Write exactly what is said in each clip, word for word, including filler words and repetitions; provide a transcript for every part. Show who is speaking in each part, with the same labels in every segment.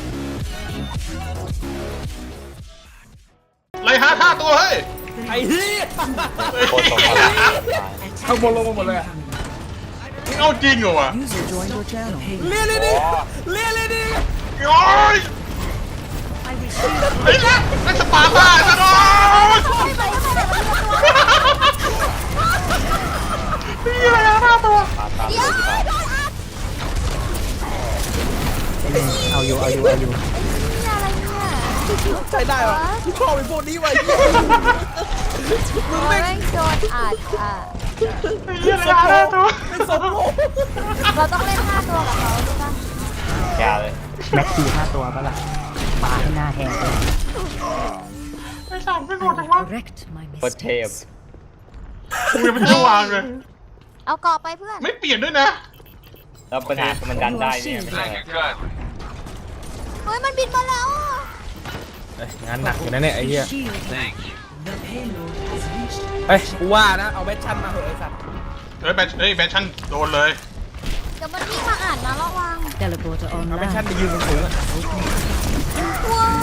Speaker 1: ไล่หาท่าตัวเฮ้ย
Speaker 2: ไอ้เหี้ย
Speaker 3: โคตรสมบูรณ์
Speaker 2: ข้างบนลงมาหมดเลย
Speaker 1: เอาจริงเหรอวะ
Speaker 2: เลี้ยเลยดิเลี้ยเลยดิ
Speaker 1: โอ้ยไอ้ละไอ้สปาร์ต้าจะโดนนี่อะไรนะหน้าตัว
Speaker 3: ตามตามเลยที่บ้าน
Speaker 4: เอาอยู่เอาอยู่เอาอยู่
Speaker 2: ใช้ได้ปะกูชอบไอ้พวกนี้ไว้
Speaker 5: โอ้ยโดนอัดอ่ะ
Speaker 1: นี่อะไรนะหน้าตัว
Speaker 2: เป็นสมโภช
Speaker 5: เราต้องเล่นห้าตัวกับเขาใช่ปะ
Speaker 3: แกเลย
Speaker 4: แม็กซี่ห้าตัวปะล่ะปาให้หน้าแหงเลย
Speaker 1: ไอ้สามไม่โหดจังวะ
Speaker 3: โคตรเทพ
Speaker 1: กูยังไม่ได้วางเลย
Speaker 5: เอาเกาะไปเพื่อน
Speaker 1: ไม่เปลี่ยนด้วยนะ
Speaker 3: แล้วปัญหาคือมันดันได้เนี่ยไม่ใช่เหรอ
Speaker 5: เฮ้ยมันบินมาแล้วอ่ะ
Speaker 2: งานหนักอยู่นะเนี่ยไอ้เหี้ยเฮ้ยกูว่านะเอาแบทชั่นมาเหอะไอ้สัตว์
Speaker 1: เฮ้ยแบทเฮ้ยแบทชั่นโดนเลย
Speaker 5: เดี๋ยวมันวิ่งมาอ่านนะระวัง
Speaker 2: เอาแบทชั่นไปยืนสูงๆอะ
Speaker 5: ว้าว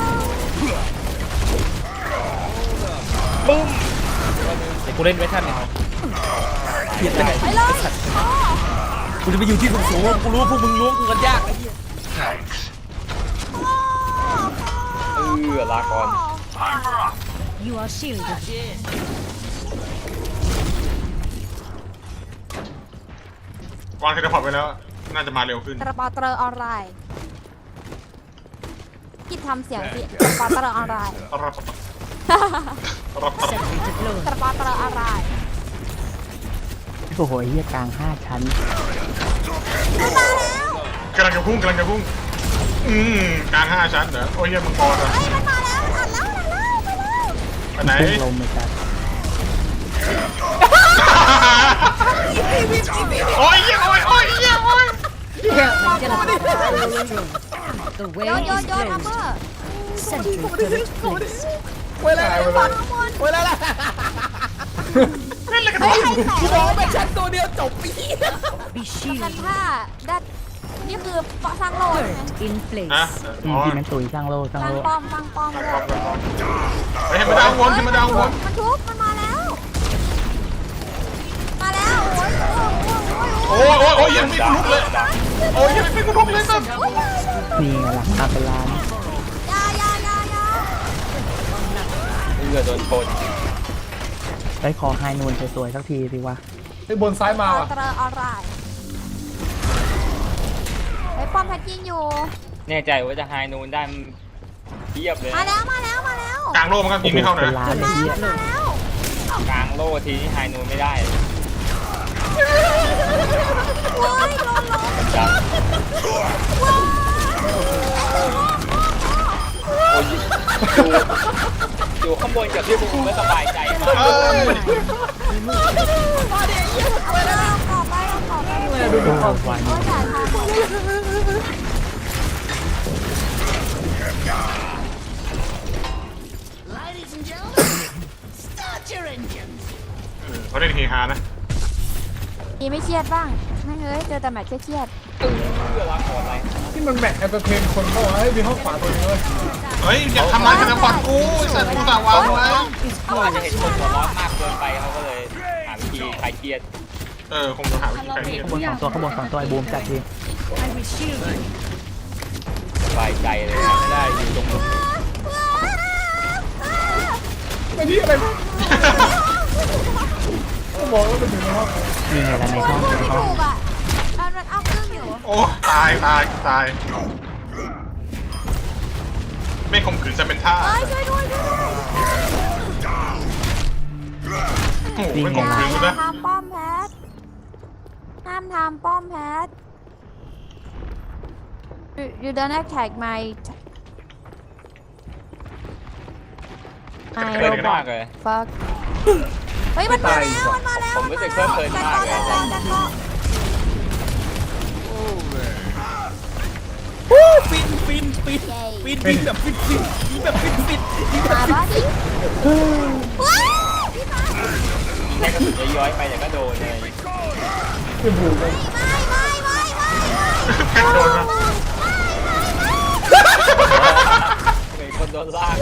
Speaker 2: เดี๋ยวกูเล่นแบทชั่นเนี่ยเขียนไปไหน
Speaker 5: ไปเลยอ๋อ
Speaker 2: กูจะไปอยู่ที่สูงๆกูรู้พวกมึงล้วงกูกันยากไอ้เหี้ย
Speaker 3: เออลาก่อน
Speaker 1: วางเทเลพอร์ตไปแล้ว น่าจะมาเร็วขึ้น
Speaker 5: ตระปาเตอร์ออนไลน์คิดทำเสียงสิตระปาเตอร์ออนไลน์
Speaker 1: รับรับรับ
Speaker 5: ตระปาเตอร์ออนไลน์
Speaker 4: โอ้โหเฮียกลางห้าชั้น
Speaker 1: กำลังจะพุ่งกำลังจะพุ่ง อืมกลางห้าชั้นเหรอโอ้ยเหี้ยมังกรเหรอ
Speaker 5: เฮ้ยมันมาแล้วอ่านแล้วอ่านแล้วไปเลย
Speaker 1: ไปไหน
Speaker 4: พุ่งลงไปจ้ะ
Speaker 1: โอ้ยเหี้ยโอ้ยโอ้ยเหี้ยโอ้ย
Speaker 5: โยนโยนโยนทัมเบอร์
Speaker 2: เว้ยแล้ว
Speaker 5: บอลข้างบน
Speaker 2: เว้ยแล้วล่ะ
Speaker 1: เล่นอะไรกัน
Speaker 5: เฮ้
Speaker 1: วะ
Speaker 5: ยใครแตะ
Speaker 2: กูบอกว่าแบทชั่นตัวเดียวจบปี
Speaker 5: คันท่าดัดนี่คือสร้างโลกใช่ไหม
Speaker 1: ฮะ
Speaker 4: อื
Speaker 1: อ๋
Speaker 4: ม
Speaker 1: อ
Speaker 4: ที่มันตุยสร้างโลสร้าง
Speaker 5: สร้าง
Speaker 4: โล
Speaker 5: ป้อมสร้างป้อมเลย
Speaker 1: เฮ้ยให้มาดาววนให้มาดาววน
Speaker 5: มันทุบมันมาแล้ว มาแล้วโอ้ยโอ้ยโอ้ย
Speaker 1: โอ้ยโอ้ยโอ้ยยังไม่กูลุกเลย โอ้ยยังไม่กูลุกเลยสัส
Speaker 4: นี่ไงล่ะตาเป็นล้าน
Speaker 5: ยายายายา
Speaker 3: เออโดนชน
Speaker 4: ได้คอไฮนูนสวยๆสักทีสิวะ
Speaker 2: ไอ้บนซ้ายมา
Speaker 5: อั
Speaker 2: ว่ะ
Speaker 5: ลตราออนไลน์ไอ้ป้อมแพทยิงอยู่
Speaker 3: แน่ใจว่าจะไฮนูนได้มันเทียบเลย
Speaker 5: มาแล้วมาแล้วมาแล้ว
Speaker 1: กลางโลกมันก็ยิงไม่เข้า
Speaker 4: เป็น
Speaker 1: นะ
Speaker 4: ล้านเลย
Speaker 5: มา
Speaker 4: เฮีย
Speaker 5: มาแล้ว
Speaker 3: กลางโล่ทีนี้ไฮนูนไม่ได้
Speaker 5: โอ้ยลงลง
Speaker 3: จับ
Speaker 5: ว้าว
Speaker 3: โอ้ยอยู่อยู่ข้างบนกับที่มึงไม่สบายใจมาก
Speaker 1: เออ
Speaker 5: เอาไปเลยเอาขอบไปเอาขอบไป
Speaker 4: ดูดูเอาไว้
Speaker 5: โอ้ยจ่ายทางหมด
Speaker 1: เขาเล่นเฮฮานะ
Speaker 5: มีไม่เครียดบ้างไม่เฮ้ยเจอแต่แมทเครียด
Speaker 3: เออลาก่อนอะไร
Speaker 2: ที่มันแมทแอนเตอร์เทนคนเข้าไอ้มีห้องขวาตัวนึงเลย
Speaker 1: เฮ้ยอย่าทำร้ายกันนะฟันกูไอ้สัตว์กูสาววางไว้
Speaker 3: เขาอาจจะเห็นคนหัวร้อนมากเกินไปเขาก็เลยหาวิธีคลายเครียด
Speaker 1: เออคงจะหาวิธีการเลี่ย
Speaker 4: ข้างบนสองตัวข้างบนสองตัวไอ้บูมจัดที
Speaker 3: สบายใจเลย
Speaker 2: ไม่ได้อยู่ตรงนู้นไอ้นี่อะไรก็บอกว่ามันอยู่ในห้อง
Speaker 4: นี่ไงล่ะในห้องใน
Speaker 5: ไม่
Speaker 4: ห้อง
Speaker 5: ถูกอ่ะมันมันเอาเครื่องอยู่
Speaker 1: โอ้ตายตายตายไม่ข่มขืนจะเป็นท่า
Speaker 5: เอ้ยช่วยด้วยด้วย
Speaker 1: โอ้โห
Speaker 4: นี่
Speaker 1: ไม่
Speaker 4: ไง
Speaker 1: ข่ม
Speaker 4: ล่ะ
Speaker 1: ขืนกู
Speaker 5: อย่า
Speaker 1: นะ
Speaker 5: ทำป้อมแพทห้ามทำป้อมแพท You you don't attack my
Speaker 3: เพลินมากเลย
Speaker 5: fuck เฮ้ยมันมาแล้วมันมาแล้ว
Speaker 3: ผมรู้สึกเพลิดเพลินมากเลย
Speaker 5: จัดจัดจัด
Speaker 2: ฟินฟินฟินฟินฟินแบบฟินฟินฟินแบบฟินฟินฟินแบ
Speaker 5: มา
Speaker 2: บฟิน
Speaker 5: บ้าดิว้าวพี่มา
Speaker 3: แค่กระสุนย้อยๆไปเดี๋ยวก็โดนเลย
Speaker 2: เป็นหูเลย
Speaker 5: ไม่ไม่ไม่ไม่
Speaker 1: แพ็คโดนนะ
Speaker 5: ไม่
Speaker 3: เหมือนคนโดนลาก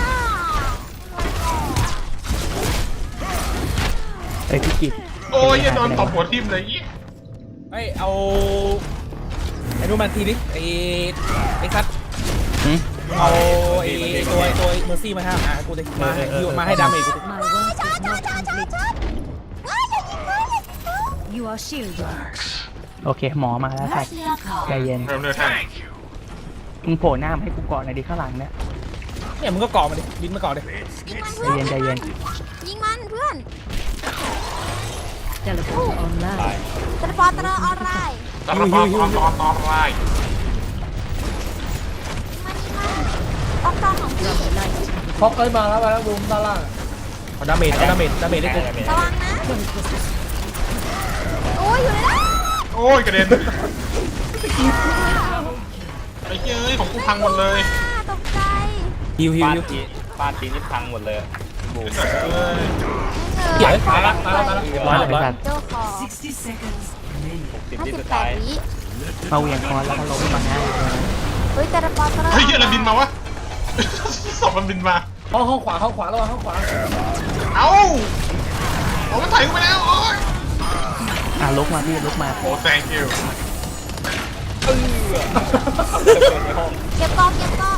Speaker 4: เอ้ยพี่กิต
Speaker 1: โอ้ยอย่าโดนตบหัวทิ่มเลยยี่
Speaker 2: ไอ้เอาไอ้นู่นมันทีนี้ไอ้ไอ้คัท
Speaker 4: หืม
Speaker 2: เอาไอ้ตัวไอ้ตัวเมอร์ซี่มาให้อ่ะกูเลยมาให้ยูมาให้ดาเมจกู
Speaker 6: My work is not complete.
Speaker 5: ว้ายจะยิงเลย
Speaker 6: You are shielded.
Speaker 4: โอเคหมอมาแล้วครับใจเย็น
Speaker 1: เริ่มเลือดแท่ง
Speaker 4: มึงโผล่หน้ามาให้กูก่อนหน่อยดิข้างหลังเนี่ย
Speaker 2: เนี่ยมึงก็เกาะมาดิบินมาเกาะดิ
Speaker 5: ยิงมัน
Speaker 4: ใจ
Speaker 5: เพื่อน
Speaker 4: เย็นใจเย็น
Speaker 5: ยิงมันเพื่อน
Speaker 6: Teleport online.
Speaker 5: จะปอตระออนไลน์
Speaker 1: ตอนตอนตอนตอนตอนไล่
Speaker 5: ยิงมันยิงมันออกจอของพี่
Speaker 7: ฟอกเอ้ยมาแล้วมาแล้วบูมด้านล่าง
Speaker 2: เอาดาเมจเอาดาเมจดาเมจได้กู
Speaker 5: ระวังนะโอ้ยอยู่เลยนะ
Speaker 1: โอ้ยกระเด็นไอ้เฮ้ยของกูพังหมดเลย
Speaker 5: อ่าตกใจ
Speaker 2: ฮิวฮิว
Speaker 3: บ้าน
Speaker 2: ฮิว
Speaker 3: ทีบ้านทีนี่พังหมดเลยบูม
Speaker 1: เอ้ย
Speaker 2: เดี๋ยว
Speaker 7: มาแล้วมาแล้วมาแล้ว
Speaker 2: ร้อยเรียบร้อย
Speaker 4: ไปสัตว์
Speaker 5: เจ้าของ
Speaker 6: sixty seconds.
Speaker 3: หกสิบ
Speaker 5: ห้า
Speaker 3: วิ
Speaker 5: สิบ
Speaker 3: สุด
Speaker 5: แป
Speaker 3: ท้า
Speaker 5: ด
Speaker 3: ย
Speaker 5: วิ
Speaker 4: มาเหวียงคอนแล้วก็ล้มมาง่ายเลย
Speaker 5: เฮ้ยแต่ละปอตระ
Speaker 1: เฮ้ยอะไรบินมาวะศพมันบินมา
Speaker 7: ห้องห้องขวาห้องขวาระวังห้องขวา
Speaker 1: เอ้าโอ้มันถ่ายกูไปแล้วโอ้ย
Speaker 4: อ่ะลุกมาพี่ลุกมา
Speaker 1: โอ้ thank you
Speaker 3: เออในห้อง
Speaker 5: เก็บกองเก็บกอง